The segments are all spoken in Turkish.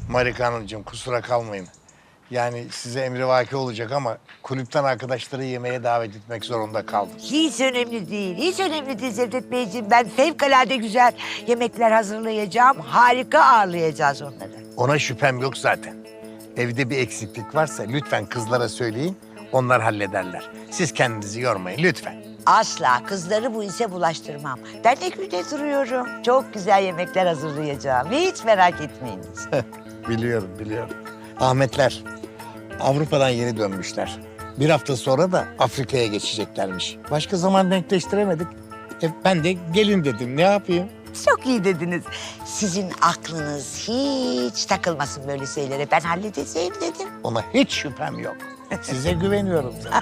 Marika Hanımcığım kusura kalmayın. Yani size emrivaki olacak ama kulüpten arkadaşları yemeğe davet etmek zorunda kaldım. Hiç önemli değil, hiç önemli değil Cevdet Beyciğim. Ben fevkalade güzel yemekler hazırlayacağım. Harika ağırlayacağız onları. Ona şüphem yok zaten. Evde bir eksiklik varsa lütfen kızlara söyleyin. Onlar hallederler. Siz kendinizi yormayın lütfen. Asla kızları bu işe bulaştırmam. Ben de günde duruyorum. Çok güzel yemekler hazırlayacağım. Hiç merak etmeyiniz. Biliyorum. Ahmetler Avrupa'dan yeni dönmüşler. Bir hafta sonra da Afrika'ya geçeceklermiş. Başka zaman denkleştiremedik. Ben de gelin dedim. Ne yapayım? Çok iyi dediniz. Sizin aklınız hiç takılmasın böyle şeylere. Ben halledeceğim dedim. Ona hiç şüphem yok. Size güveniyorum zaten.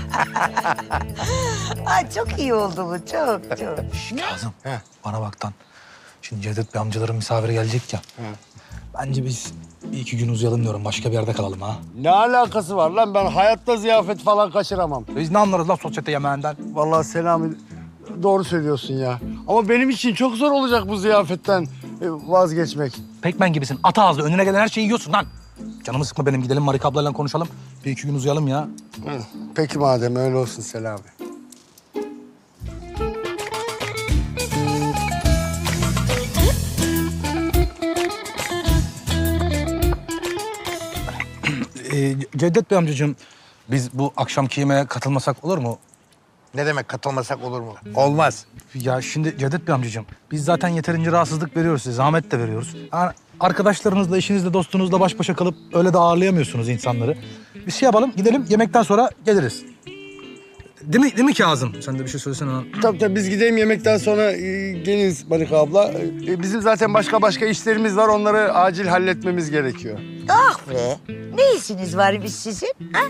Ay çok iyi oldu bu, çok. Kazım, bana bak lan. Şimdi Cevdet Bey amcaların misafiri gelecek ya. Bence biz bir iki gün uzayalım diyorum. Başka bir yerde kalalım ha. Ne alakası var lan? Ben hayatta ziyafet falan kaçıramam. Biz ne anlarız lan sosyete yemeğinden? Vallahi Selami doğru söylüyorsun ya. Ama benim için çok zor olacak bu ziyafetten vazgeçmek. Pekmen gibisin. At ağzı. Önüne gelen her şeyi yiyorsun lan. Canımı sıkma benim. Gidelim Marika ablayla konuşalım. Bir iki gün uzayalım ya. Peki madem öyle olsun Selami. Cevdet Bey amcacığım, biz bu akşamki yemeğe katılmasak olur mu? Ne demek katılmasak olur mu? Olmaz. Ya şimdi Cevdet Bey amcacığım, biz zaten yeterince rahatsızlık veriyoruz size, zahmet de veriyoruz. Yani arkadaşlarınızla, eşinizle, dostunuzla baş başa kalıp öyle de ağırlayamıyorsunuz insanları. Bir şey yapalım, gidelim yemekten sonra geliriz. Değil mi Kazım? Sen de bir şey söylesene lan. Tabii biz gidelim yemekten sonra geliriz Marika abla. Bizim zaten başka işlerimiz var. Onları acil halletmemiz gerekiyor. Ah be, ne işiniz var biz sizin? Ha?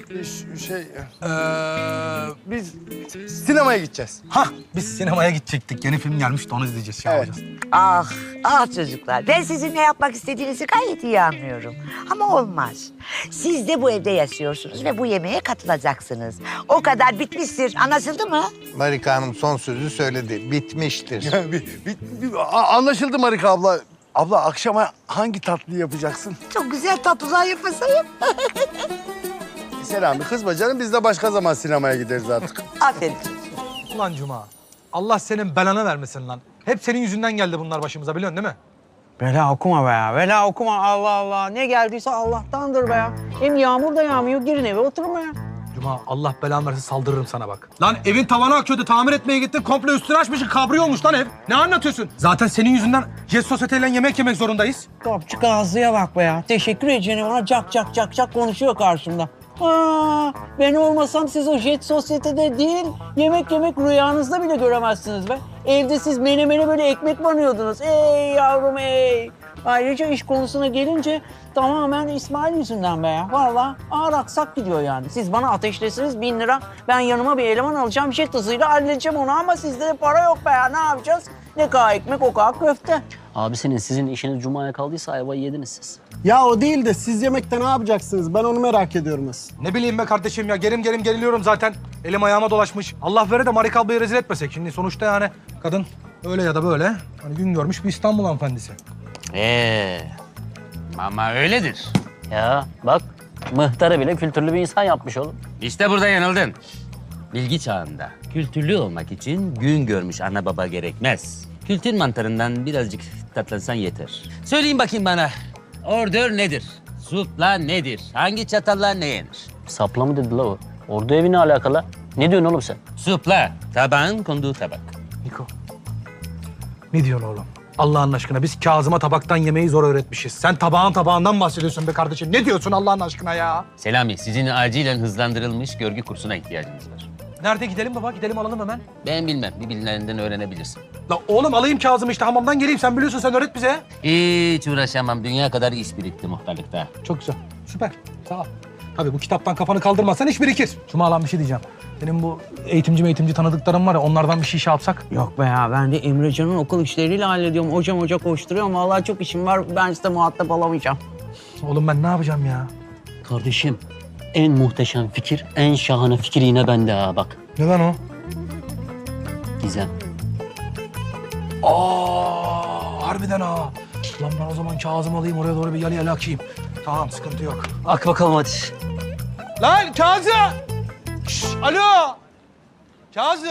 Biz sinemaya gideceğiz. Biz sinemaya gidecektik. Yeni film gelmiş de onu izleyeceğiz. Şey Evet. yapacağız. Ah çocuklar. Ben sizin ne yapmak istediğinizi gayet iyi anlıyorum. Ama olmaz. Siz de bu evde yaşıyorsunuz ve bu yemeğe katılacaksınız. O kadar bitmiştir. Anlaşıldı mı? Marika Hanım son sözü söyledi. Bitmiştir. Anlaşıldı Marika abla. Abla akşama hangi tatlıyı yapacaksın? Çok güzel tatlılar yapasayım. Selami kızma canım. Biz de başka zaman sinemaya gideriz artık. Aferin. Ulan Cuma, Allah senin belanı vermesin lan. Hep senin yüzünden geldi bunlar başımıza biliyorsun değil mi? Bela okuma be ya. Bela okuma. Allah Allah. Ne geldiyse Allah'tandır be ya. Hem yağmur da yağmıyor. Girin eve oturma ya. Cuma, Allah belanı versin saldırırım sana bak. Lan evin tavanı akıyordu, tamir etmeye gittin. Komple üstünü açmışsın, kabriyo olmuş lan ev. Ne anlatıyorsun? Zaten senin yüzünden Jet Sosyete'yle yemek yemek zorundayız. Kapçık ağzıya bak be ya. Teşekkür edeceğim ona cak konuşuyor karşımda. Ben olmasam siz o Jet Sosyete'de değil, yemek rüyanızda bile göremezsiniz be. Evde siz menemene böyle ekmek banıyordunuz. Ey yavrum ey. Ayrıca iş konusuna gelince tamamen İsmail yüzünden be ya. Vallahi ağır aksak gidiyor yani. Siz bana ateşlesiniz 1000 lira. Ben yanıma bir eleman alacağım. Jet hızıyla halledeceğim onu ama sizde de para yok be ya. Ne yapacağız? Ne kadar ekmek o kadar köfte. Abisinin sizin işiniz Cuma'ya kaldıysa ayvayı yediniz siz. Ya o değil de siz yemekte ne yapacaksınız? Ben onu merak ediyorum aslında. Ne bileyim be kardeşim ya, gerim geriliyorum zaten. Elim ayağıma dolaşmış. Allah vere de Marika ablayı rezil etmesek. Şimdi sonuçta yani kadın öyle ya da böyle hani gün görmüş bir İstanbul hanımefendisi. Ama öyledir. Ya bak mıhtarı bile kültürlü bir insan yapmış oğlum. İşte burada yanıldın. Bilgi çağında kültürlü olmak için gün görmüş ana baba gerekmez. Kültür mantarından birazcık tatlansan yeter. Söyleyin bakayım bana, ordör nedir? Supla nedir? Hangi çatalla ne yenir? Sapla mı dedi la o? Ordu evi ne alakalı? Ne diyorsun oğlum sen? Supla, tabağın konduğu tabak. Niko, ne diyorsun oğlum? Allah'ın aşkına biz Kazım'a tabaktan yemeği zor öğretmişiz. Sen tabağından bahsediyorsun be kardeşim. Ne diyorsun Allah'ın aşkına ya? Selami, sizin acilen hızlandırılmış görgü kursuna ihtiyacınız var. Nerede gidelim baba? Gidelim alalım hemen. Ben bilmem, bir bilinlerinden öğrenebilirsin. La oğlum alayım Kazım'ı işte hamamdan geleyim. Sen biliyorsun, sen öğret bize. Hiç uğraşamam, dünya kadar iş birikti muhtarlıkta. Çok güzel, süper. Sağ ol. Tabii bu kitaptan kafanı kaldırmazsan iş birikir. Cuma lan bir şey diyeceğim. Benim bu eğitimci tanıdıklarım var ya, onlardan bir şey yapsak. Yok be ya, ben de Emrecan'ın okul işleriyle hallediyorum. Hoca koşturuyorum. Vallahi çok işim var. Ben size muhatap olamayacağım. Oğlum ben ne yapacağım ya? Kardeşim en muhteşem fikir, en şahane fikir yine bende ha bak. Ne lan o? Gizem. Harbiden ha. Lan ben o zaman Kazım alayım oraya doğru bir yalı akayım. Tamam sıkıntı yok. Ak bakalım hadi. Lan Kazım! Şş, alo! Kazım!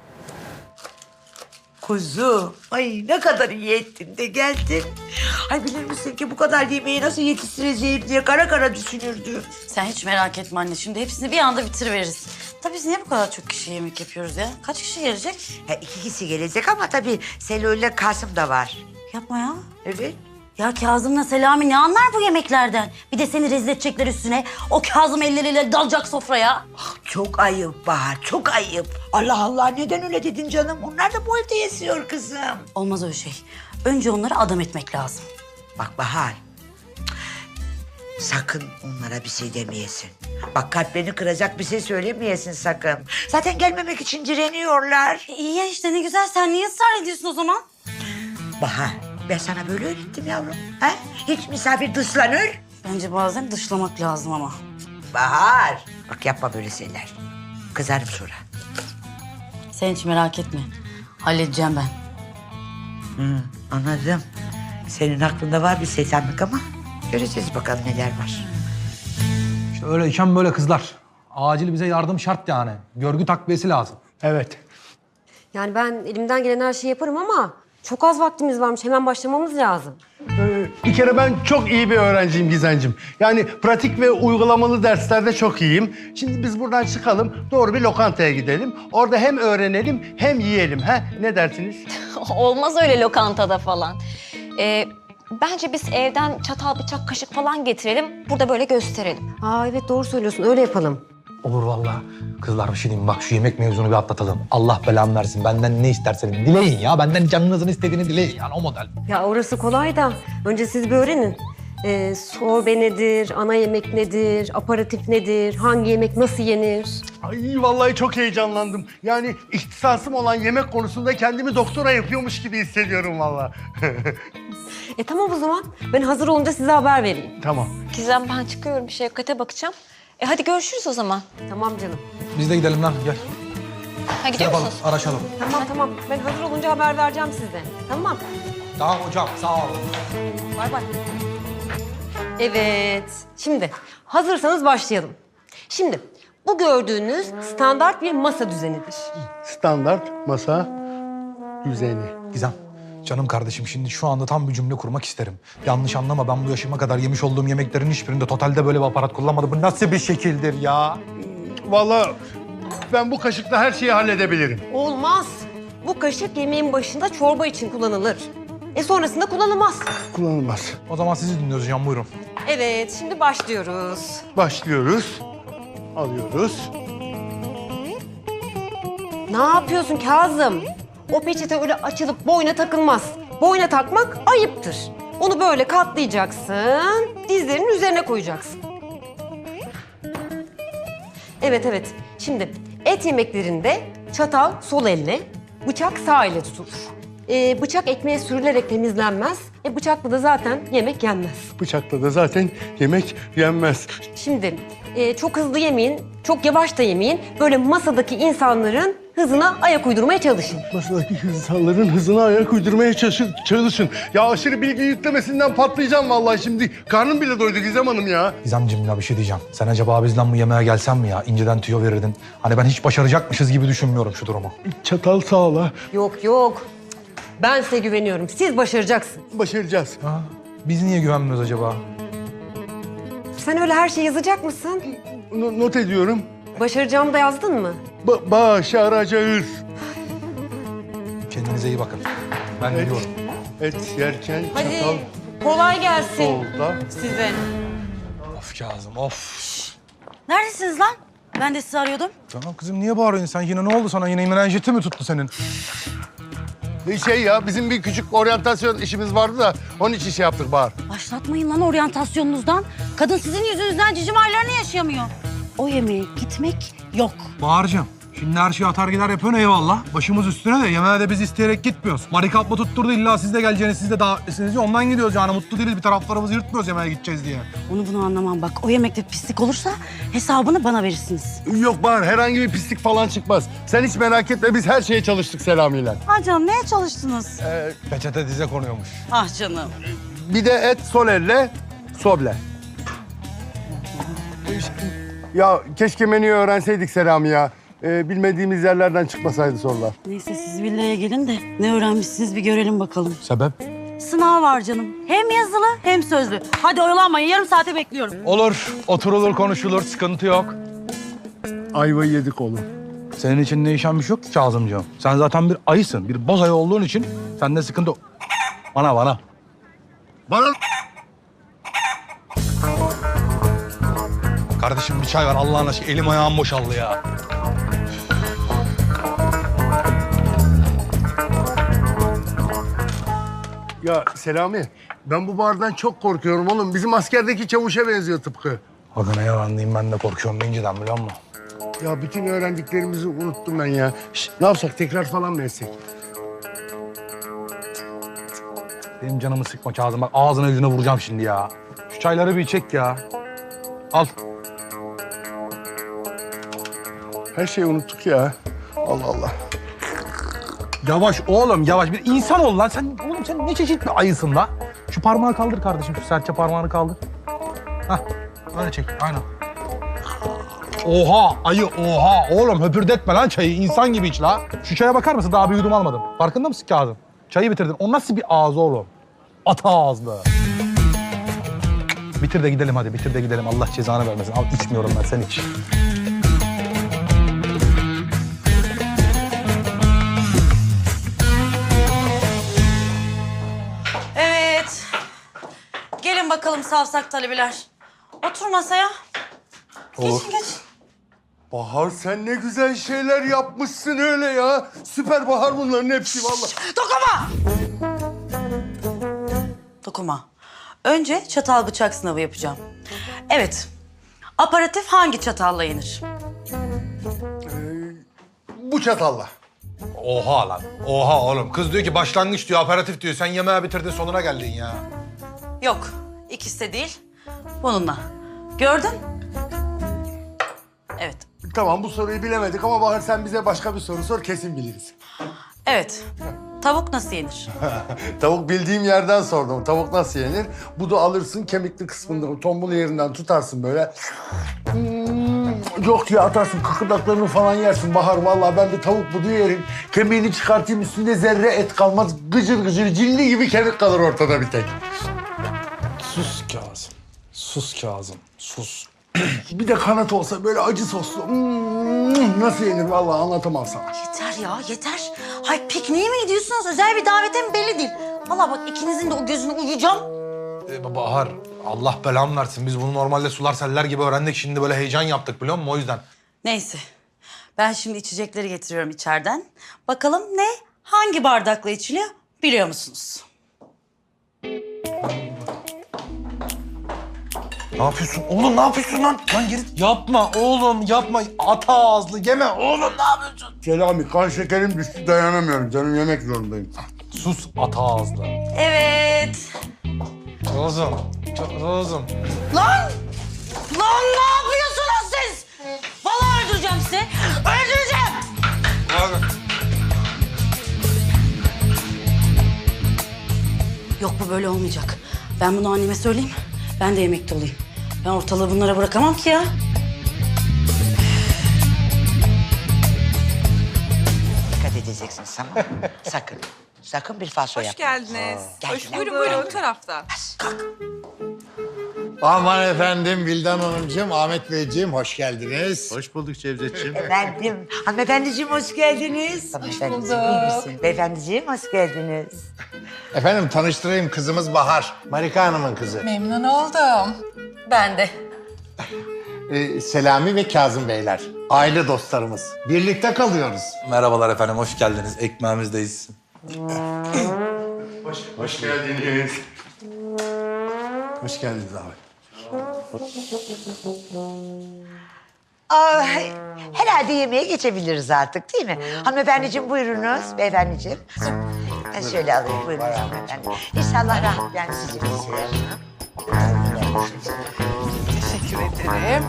Kuzu, ay ne kadar iyi ettin de geldin. Ay bilir misin ki bu kadar yemeği nasıl yetiştireceğim diye kara kara düşünürdüm. Sen hiç merak etme anne. Şimdi hepsini bir anda bitiriveririz. Tabii biz niye bu kadar çok kişi yemek yapıyoruz ya? Kaç kişi gelecek? Ha, 2 kişi gelecek ama tabii Selo ile Kasım da var. Yapma ya. Evet. Ya Kazım'la Selami ne anlar bu yemeklerden? Bir de seni rezil edecekler üstüne. O Kazım elleriyle dalacak sofraya. Çok ayıp Bahar, çok ayıp. Allah Allah neden öyle dedin canım? Onlar da bu evde yaşıyor kızım. Olmaz öyle şey. Önce onları adam etmek lazım. Bak Bahar, sakın onlara bir şey demeyesin. Bak kalplerini kıracak bir şey söylemeyesin sakın. Zaten gelmemek için direniyorlar. İyi ya işte ne güzel. Sen niye ısrar ediyorsun o zaman? Bahar, ben sana böyle öğrettim yavrum. Ha? Hiç misafir dışlanır. Bence bazen dışlamak lazım ama. Bahar, bak yapma böyle şeyler. Kızarım sonra. Sen hiç merak etme. Halledeceğim ben. Anladım. Senin aklında var bir şeytanlık ama göreceğiz bakalım neler var. İşte öyleyken böyle kızlar. Acil bize yardım şart yani. Görgü takviyesi lazım. Evet. Yani ben elimden gelen her şeyi yaparım ama çok az vaktimiz varmış. Hemen başlamamız lazım. Bir kere ben çok iyi bir öğrenciyim Gizencim. Yani pratik ve uygulamalı derslerde çok iyiyim. Şimdi biz buradan çıkalım, doğru bir lokantaya gidelim. Orada hem öğrenelim hem yiyelim. He? Ne dersiniz? Olmaz öyle lokantada falan. Bence biz evden çatal, bıçak, kaşık falan getirelim. Burada böyle gösterelim. Aa evet doğru söylüyorsun. Öyle yapalım. Olur vallahi. Kızlar bir şey diyeyim mi? Bak şu yemek mevzunu bir atlatalım. Allah belamı versin. Benden ne isterseniz dileyin ya. Benden canınızın istediğini dileyin yani o model. Ya orası kolay da önce siz bir öğrenin. Sorbe nedir, ana yemek nedir, aparatif nedir, hangi yemek nasıl yenir? Ay vallahi çok heyecanlandım. Yani ihtisasım olan yemek konusunda kendimi doktora yapıyormuş gibi hissediyorum vallahi. Tamam o zaman. Ben hazır olunca size haber vereyim. Tamam. Gizem ben çıkıyorum bir Şevkat'e bakacağım. Hadi görüşürüz o zaman. Tamam canım. Biz de gidelim lan gel. Ha gidiyor Yapalım, musunuz? araşalım. Tamam. Ben hazır olunca haber vereceğim size. Tamam. Tamam hocam sağ olun. Bay bay. Evet. Şimdi hazırsanız başlayalım. Şimdi bu gördüğünüz standart bir masa düzenidir. Standart masa düzeni. Gizem, canım kardeşim şimdi şu anda tam bir cümle kurmak isterim. Yanlış anlama ben bu yaşıma kadar yemiş olduğum yemeklerin hiçbirinde totalde böyle bir aparat kullanmadım. Bu nasıl bir şekildir ya? Vallahi ben bu kaşıkla her şeyi halledebilirim. Olmaz. Bu kaşık yemeğin başında çorba için kullanılır. Sonrasında kullanılmaz. Kullanılmaz. O zaman sizi dinliyoruz hocam buyurun. Evet, şimdi başlıyoruz. Başlıyoruz. Alıyoruz. Ne yapıyorsun Kazım? O peçete öyle açılıp boyna takılmaz. Boyna takmak ayıptır. Onu böyle katlayacaksın, dizlerinin üzerine koyacaksın. Evet. Şimdi et yemeklerinde çatal sol elle, bıçak sağ elle tutulur. Bıçak ekmeğe sürülerek temizlenmez. Bıçakla da zaten yemek yenmez. Bıçakla da zaten yemek yenmez. Şimdi çok hızlı yemeyin, çok yavaş da yemeyin. Böyle masadaki insanların hızına ayak uydurmaya çalışın. Masadaki insanların hızına ayak uydurmaya çalışın. Ya aşırı bilgi yüklemesinden patlayacağım vallahi şimdi. Karnım bile doydu Gizem Hanım ya. Gizemciğim ya bir şey diyeceğim. Sen acaba bizden bu yemeğe gelsen mi ya? İnceden tüyo verirdin. Hani ben hiç başaracakmışız gibi düşünmüyorum şu durumu. Çatal sağla. Yok. Ben size güveniyorum. Siz başaracaksınız. Başaracağız. Ha? Biz niye güvenmiyoruz acaba? Sen öyle her şeyi yazacak mısın? Not ediyorum. Başaracağımı da yazdın mı? Başaracağız. Kendinize iyi bakın. Ben gidiyorum. Et yerken Hadi çatal kolay gelsin solda. size. Of Kazım of. Neredesiniz lan? Ben de sizi arıyordum. Tamam kızım niye bağırıyorsun sen? Yine ne oldu sana? Yine menenjiti mi tuttu senin? Şey ya bizim bir küçük oryantasyon işimiz vardı da onun için şey yaptık Bahar. Başlatmayın lan oryantasyonunuzdan. Kadın sizin yüzünüzden cicim aylarını yaşayamıyor. O yemeğe gitmek yok. Bahar'cığım şimdi her şeyi atar gider yapıyorsun eyvallah. Başımız üstüne de yemeğe de biz isteyerek gitmiyoruz. Marikap mı tutturdu illa siz de geleceğiniz siz de davetlisiniz diye ondan gidiyoruz yani. Mutlu değiliz bir taraflarımızı yırtmıyoruz yemeğe gideceğiz diye. Bunu anlamam bak. O yemekte pislik olursa hesabını bana verirsiniz. Yok Bahar herhangi bir pislik falan çıkmaz. Sen hiç merak etme biz her şeye çalıştık Selami'yle. Ah canım neye çalıştınız? Peçete dize konuyormuş. Ah canım. Bir de et sol elle, soble. Ya keşke menüyü öğrenseydik Selami ya. Bilmediğimiz yerlerden çıkmasaydı sorular. Neyse siz villaya gelin de ne öğrenmişsiniz bir görelim bakalım. Sebep? Sınav var canım. Hem yazılı hem sözlü. Hadi oyalanmayın, yarım saate bekliyorum. Olur. Oturulur, konuşulur. Sıkıntı yok. Ayvayı yedik oğlum. Senin için değişen bir şey yok ki Kazımcığım. Sen zaten bir ayısın. Bir boz ayı olduğun için sende sıkıntı... Bana. Bana... Kardeşim bir çay ver Allah'ın aşkına. Elim ayağım boşaldı ya. Ya Selami, ben bu bardan çok korkuyorum oğlum. Bizim askerdeki çavuşa benziyor tıpkı. Aga ne yalan diyeyim, ben de korkuyorum inceden biliyor musun? Ya bütün öğrendiklerimizi unuttum ben ya. Şişt, ne yapsak, tekrar falan mı etsek? Benim canımı sıkma Kazım. Bak ağzına yüzüne vuracağım şimdi ya. Şu çayları bir çek ya. Al. Her şeyi unuttuk ya. Allah Allah. Yavaş oğlum yavaş. Bir insan ol lan. Oğlum sen ne çeşit bir ayısın la? Şu parmağı kaldır kardeşim. Şu serçe parmağını kaldır. Hah. Öyle çek. Aynen. Oha ayı oha. Oğlum höpürdetme lan çayı. İnsan gibi iç la. Şu çaya bakar mısın? Daha bir yudum almadım. Farkında mısın Kazım? Çayı bitirdin. O nasıl bir ağız oğlum? Ata ağızlı. Bitir de gidelim hadi. Bitir de gidelim. Allah cezanı vermesin. Al içmiyorum ben. Sen iç. Evet. Gelin bakalım savsak talebeler. Otur masaya. Olur. Geçin. Bahar sen ne güzel şeyler yapmışsın öyle ya. Süper Bahar bunların hepsi vallahi. Dokunma. Önce çatal bıçak sınavı yapacağım. Evet. Aparatif hangi çatalla yenir? Bu çatalla. Oha lan. Oha oğlum. Kız diyor ki başlangıç diyor, aperatif diyor. Sen yemeği bitirdin, sonuna geldin ya. Yok. İkisi de değil. Bununla. Gördün? Evet. Tamam bu soruyu bilemedik ama Bahar sen bize başka bir soru sor kesin biliriz. Evet. Tavuk nasıl yenir? Tavuk bildiğim yerden sordum. Tavuk nasıl yenir? Budu alırsın kemikli kısmında tombul yerinden tutarsın böyle. Yok diye atarsın kıkırdaklarını falan yersin Bahar. Vallahi ben de tavuk budu yerim. Kemiğini çıkartayım üstünde zerre et kalmaz. Gıcır gıcır cilli gibi kemik kalır ortada bir tek. Sus Kazım. Sus Kazım. Sus. Bir de kanat olsa böyle acı soslu. Nasıl yenir vallahi anlatamam sana. Yeter ya, yeter. Hay pikniğe mi gidiyorsunuz? Özel bir davete mi belli değil. Vallahi bak ikinizin de o gözünü uyuyacağım. Bahar, Allah belamı versin. Biz bunu normalde sular seller gibi öğrendik. Şimdi böyle heyecan yaptık biliyor musun? O yüzden. Neyse. Ben şimdi içecekleri getiriyorum içeriden. Bakalım ne, hangi bardakla içiliyor biliyor musunuz? Ne yapıyorsun? Oğlum ne yapıyorsun lan? Lan geri... Yapma oğlum yapma. Ata ağızlı yeme oğlum ne yapıyorsun? Selami kan şekerim düştü dayanamıyorum. Canım yemek zorundayım. Sus ata ağızlı. Evet. Kızım. Kızım. Lan! Lan ne yapıyorsunuz siz? Vallahi öldüreceğim sizi. Öldüreceğim. Yok bu böyle olmayacak. Ben bunu anneme söyleyeyim. Ben de yemekte olayım. Ben ortalığı bunlara bırakamam ki ya. Dikkat edeceksin tamam mı? Sakın. Sakın bir falso yapma. geldiniz. Geldiler. Buyurun o tarafta. Aman efendim Vildan Hanımcığım, Ahmet Beyciğim hoş geldiniz. Hoş bulduk Cevdetciğim. Efendim, hanımefendiciğim hoş geldiniz. Hanımefendiciğim iyi misin? Beyefendiciğim hoş geldiniz. Efendim tanıştırayım kızımız Bahar. Marika Hanım'ın kızı. Memnun oldum. Ben de. Selami ve Kazım Beyler. Aile dostlarımız. Birlikte kalıyoruz. Merhabalar efendim, hoş geldiniz. Ekmeğimizdeyiz. Hoş geldiniz. Hoş geldiniz abi. Aa, herhalde yemeğe geçebiliriz artık değil mi? Hanımefendiciğim buyurunuz, beyefendiciğim. Ben şöyle alayım, buyurunuz hanımefendi. İnşallah rahat yani sizi beslerim. Teşekkür ederim.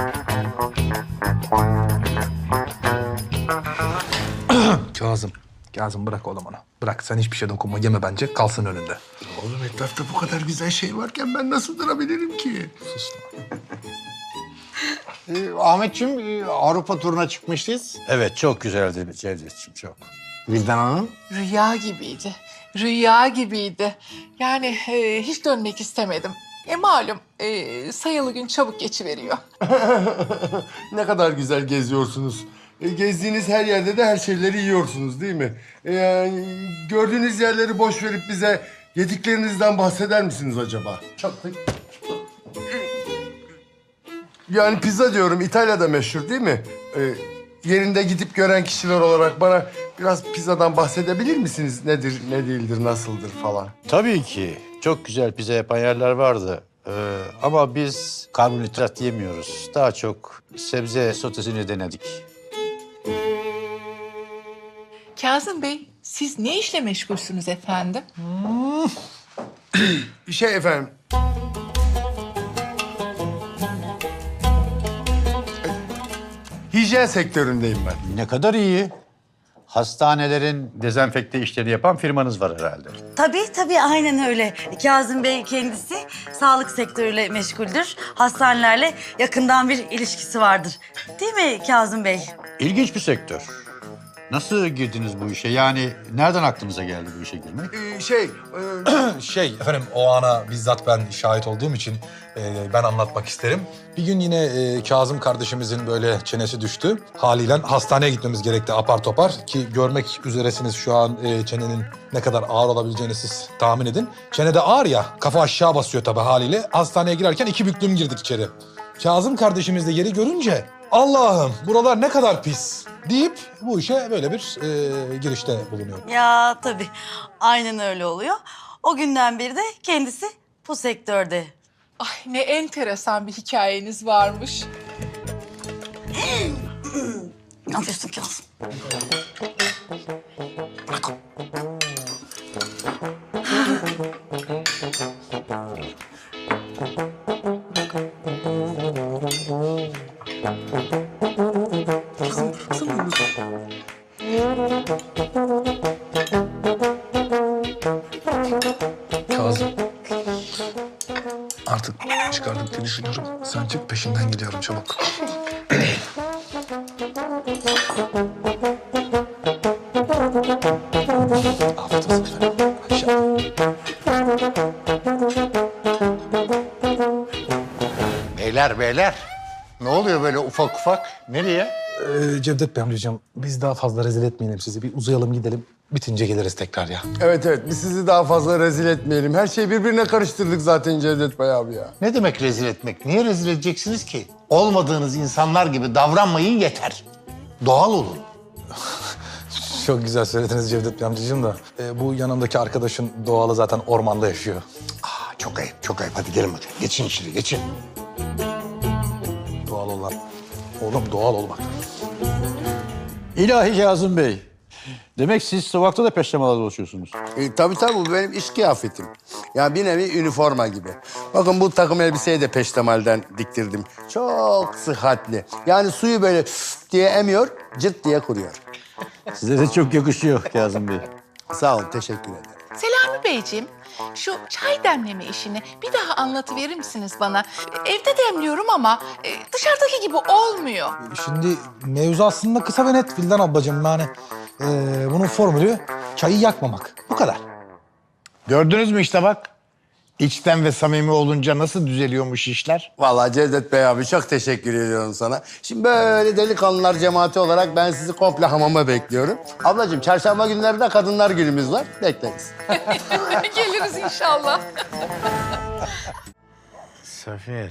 Kazım. Kazım bırak oğlum onu. Bırak sen hiçbir şey dokunma yeme bence kalsın önünde. Oğlum etrafta bu kadar güzel şey varken ben nasıl durabilirim ki? Sus. Ahmetciğim Avrupa turuna çıkmıştınız. Evet çok güzeldi Cevdetciğim çok. Vildan Hanım. Rüya gibiydi. Rüya gibiydi. Yani hiç dönmek istemedim. Malum sayılı gün çabuk geçiveriyor. Ne kadar güzel geziyorsunuz. Gezdiğiniz her yerde de her şeyleri yiyorsunuz değil mi? Yani gördüğünüz yerleri boş verip bize yediklerinizden bahseder misiniz acaba? Çok da... Yani pizza diyorum, İtalya'da meşhur değil mi? Yerinde gidip gören kişiler olarak bana biraz pizzadan bahsedebilir misiniz? Nedir, ne değildir, nasıldır falan? Tabii ki çok güzel pizza yapan yerler vardı. Ama biz karbonhidrat yemiyoruz. Daha çok sebze sotesini denedik. Kazım Bey, siz ne işle meşgulsünüz efendim? Efendim... Hijyen sektöründeyim ben. Ne kadar iyi. Hastanelerin dezenfekte işleri yapan firmanız var herhalde. Tabii aynen öyle. Kazım Bey kendisi sağlık sektörüyle meşguldür. Hastanelerle yakından bir ilişkisi vardır. Değil mi Kazım Bey? İlginç bir sektör. Nasıl girdiniz bu işe? Yani nereden aklınıza geldi bu işe girmek? Efendim o ana bizzat ben şahit olduğum için ben anlatmak isterim. Bir gün yine Kazım kardeşimizin böyle çenesi düştü. Haliyle hastaneye gitmemiz gerekti apar topar ki görmek üzeresiniz şu an çenenin ne kadar ağır olabileceğini siz tahmin edin. Çene de ağır ya kafa aşağı basıyor tabii haliyle. Hastaneye girerken 2 büklüm girdik içeri. Kazım kardeşimiz de yeri görünce Allah'ım buralar ne kadar pis deyip bu işe böyle bir girişte bulunuyor. Ya tabii aynen öyle oluyor. O günden beri de kendisi bu sektörde. Ay ne enteresan bir hikayeniz varmış. Ne yapıyorsun Kazım? Kazım. Artık çıkardık diye düşünüyorum. Sen çık peşinden gidiyorum çabuk. Afiyet olsun efendim. Aşağı. Beyler. Ne oluyor böyle ufak ufak? Nereye? Cevdet Bey amcacığım biz daha fazla rezil etmeyelim sizi. Bir uzayalım gidelim. Bitince geliriz tekrar ya. Evet, biz sizi daha fazla rezil etmeyelim. Her şeyi birbirine karıştırdık zaten Cevdet Bey abi ya. Ne demek rezil etmek? Niye rezil edeceksiniz ki? Olmadığınız insanlar gibi davranmayın yeter. Doğal olun. Çok güzel söylediniz Cevdet Bey amcacığım da. Bu yanımdaki arkadaşın doğalı zaten ormanda yaşıyor. Çok ayıp. Hadi gelin bakayım. Geçin içeri, geçin. Doğal ol lan. Oğlum doğal ol bak. İlahi Kazım Bey. Demek siz sokakta da peştemalar dolaşıyorsunuz. Tabii bu benim iş kıyafetim. Yani bir nevi üniforma gibi. Bakın bu takım elbiseyi de peştemalden diktirdim. Çok sıhhatli. Yani suyu böyle diye emiyor, cırt diye kuruyor. Size de çok yakışıyor Kazım Bey. Sağ olun, teşekkür ederim. Selami Beyciğim, şu çay demleme işini bir daha anlatıverir misiniz bana? Evde demliyorum ama dışarıdaki gibi olmuyor. Şimdi mevzu aslında kısa ve net Vildan ablacığım. Yani bunun formülü çayı yakmamak. Bu kadar. Gördünüz mü işte bak. İçten ve samimi olunca nasıl düzeliyormuş işler? Vallahi Cevdet Bey abi çok teşekkür ediyorum sana. Şimdi böyle delikanlılar cemaati olarak ben sizi komple hamama bekliyorum. Ablacığım çarşamba günleri de kadınlar günümüz var. Bekleriz. Geliriz inşallah. Safiye.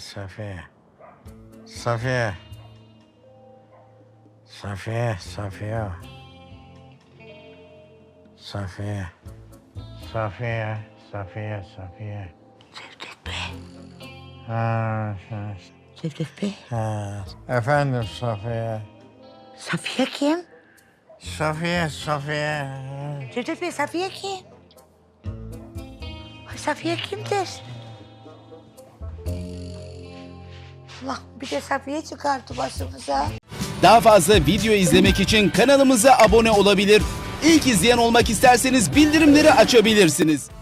Cevdet Bey. Ha. Cevdet Bey. Efendim Safiye. Safiye kim? Safiye. Cevdet Bey Safiye kim? Ay, Safiye kimdir? Allah bir de Safiye çıkarttı başımıza. Daha fazla video izlemek için kanalımıza abone olabilir. İlk izleyen olmak isterseniz bildirimleri açabilirsiniz.